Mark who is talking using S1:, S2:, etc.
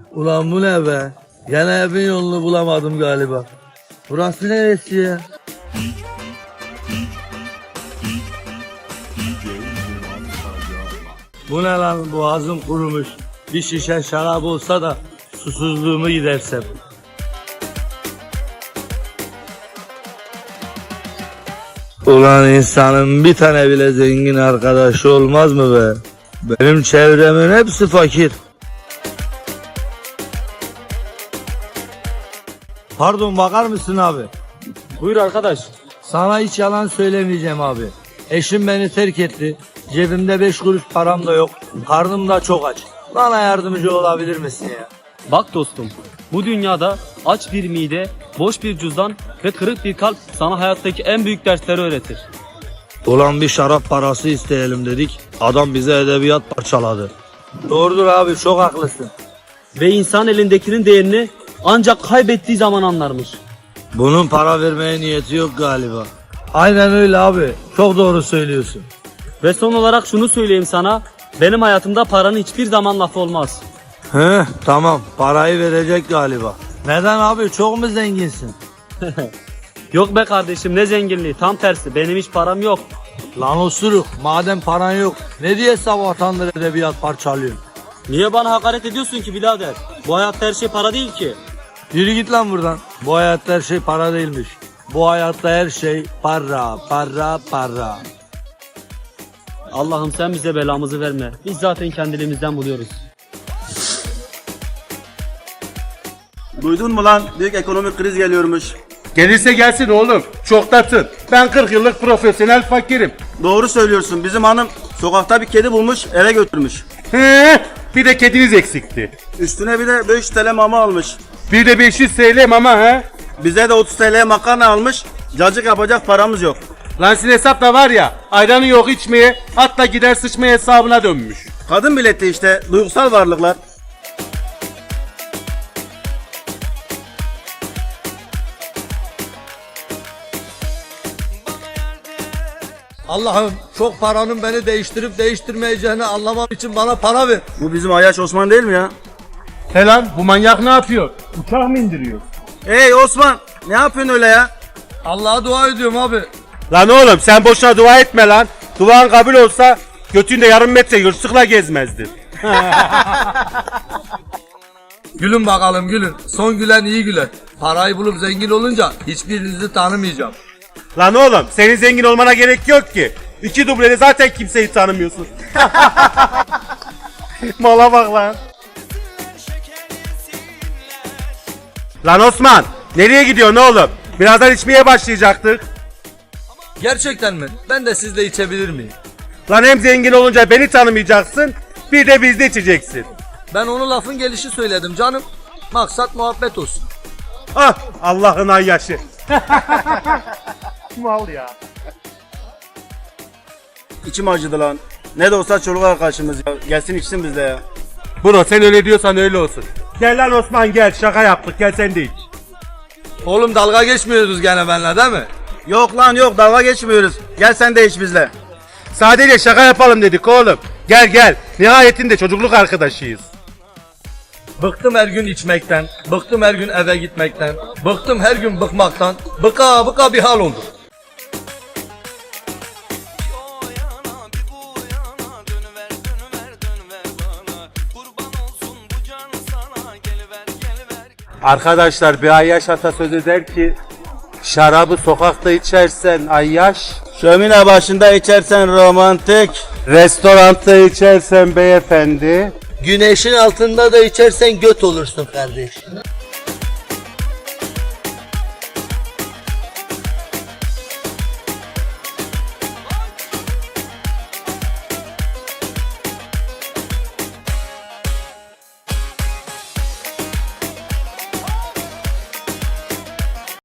S1: Ulan bu ne be? Gene evin yolunu bulamadım galiba. Burası neresi ya? Bu ne lan, boğazım kurumuş. Bir şişe şarap olsa da susuzluğumu gidersem. Ulan insanın bir tane bile zengin arkadaşı olmaz mı be? Benim çevremin hepsi fakir. Pardon, bakar mısın abi?
S2: Buyur arkadaş.
S1: Sana hiç yalan söylemeyeceğim abi. Eşim beni terk etti. Cebimde 5 kuruş param da yok. Karnım da çok aç. Bana yardımcı olabilir misin ya?
S2: Bak dostum, bu dünyada aç bir mide, boş bir cüzdan ve kırık bir kalp sana hayattaki en büyük dersleri öğretir.
S1: Ulan bir şarap parası isteyelim dedik. Adam bize edebiyat parçaladı. Doğrudur abi, çok haklısın.
S2: Ve insan elindekinin değerini ancak kaybettiği zaman anlarmış.
S1: Bunun para vermeye niyeti yok galiba. Aynen öyle abi. Çok doğru söylüyorsun.
S2: Ve son olarak şunu söyleyeyim sana, benim hayatımda paranın hiçbir zaman lafı olmaz.
S1: Tamam, parayı verecek galiba. Neden abi, çok mu zenginsin?
S2: Yok be kardeşim, ne zenginliği, tam tersi, benim hiç param yok.
S1: Lan osuruk, madem paran yok ne diye sabahtandır edebiyat parçalıyorsun?
S2: Niye bana hakaret ediyorsun ki birader? Bu hayatta her şey para değil ki.
S1: Yürü git lan buradan. Bu hayatta her şey para değilmiş. Bu hayatta her şey para, para, para.
S2: Allah'ım sen bize belamızı verme. Biz zaten kendiliğimizden buluyoruz.
S3: Duydun mu lan? Büyük ekonomik kriz geliyormuş.
S4: Gelirse gelsin oğlum. Çok tatın. Ben 40 yıllık profesyonel fakirim.
S3: Doğru söylüyorsun. Bizim hanım sokakta bir kedi bulmuş, eve götürmüş.
S4: Bir de kediniz eksikti.
S3: Üstüne bir de 500 TL mama almış.
S4: Bir de 500 TL mama ha.
S3: Bize de 30 TL makarna almış. Cacık yapacak paramız yok.
S4: Lan sizin hesap da var ya, ayranı yok içmeye, hatta gider sıçmaya hesabına dönmüş.
S3: Kadın milleti işte, duygusal varlıklar.
S1: Allah'ım, çok paranın beni değiştirip değiştirmeyeceğini anlamam için bana para ver.
S3: Bu bizim Ayyaş Osman değil mi ya?
S4: He lan, bu manyak ne yapıyor? Uçak mı indiriyor?
S3: Hey Osman, ne yapıyorsun öyle ya?
S1: Allah'a dua ediyorum abi.
S4: Lan oğlum sen boşuna dua etme lan. Duan kabul olsa götünde yarım metre yırtıkla gezmezdin.
S1: Gülün bakalım gülün. Son gülen iyi güler. Parayı bulup zengin olunca hiçbirinizi tanımayacağım.
S4: Lan oğlum senin zengin olmana gerek yok ki. 2 dublede zaten kimseyi tanımıyorsun. Mala bak lan. Lan Osman nereye gidiyorsun oğlum? Birazdan içmeye başlayacaktık.
S1: Gerçekten mi? Ben de sizle içebilir miyim?
S4: Lan hem zengin olunca beni tanımayacaksın, bir de bizde içeceksin.
S1: Ben onu lafın gelişi söyledim canım. Maksat muhabbet olsun.
S4: Ah Allah'ın ayyaşı. Mal ya.
S3: İçim acıdı lan. Ne de olsa çoluk arkadaşımız ya. Gelsin içsin bizde ya.
S4: Bro sen öyle diyorsan öyle olsun. Gel lan Osman gel, şaka yaptık, gel sen de iç.
S1: Oğlum dalga geçmiyoruz gene benimle değil mi?
S3: Yok lan yok, dalga geçmiyoruz. Gel sen de iç bizle.
S4: Sadece şaka yapalım dedik oğlum. Gel gel, nihayetinde çocukluk arkadaşıyız.
S1: Bıktım her gün içmekten. Bıktım her gün eve gitmekten. Bıktım her gün bıkmaktan. Bıka bıka bir hal oldu.
S4: Arkadaşlar bir Ayyaş atasözü der ki, şarabı sokakta içersen Ayyaş,
S3: Şömine başında içersen romantik.
S4: restoranda içersen beyefendi,
S1: Güneşin altında da içersen göt olursun kardeş.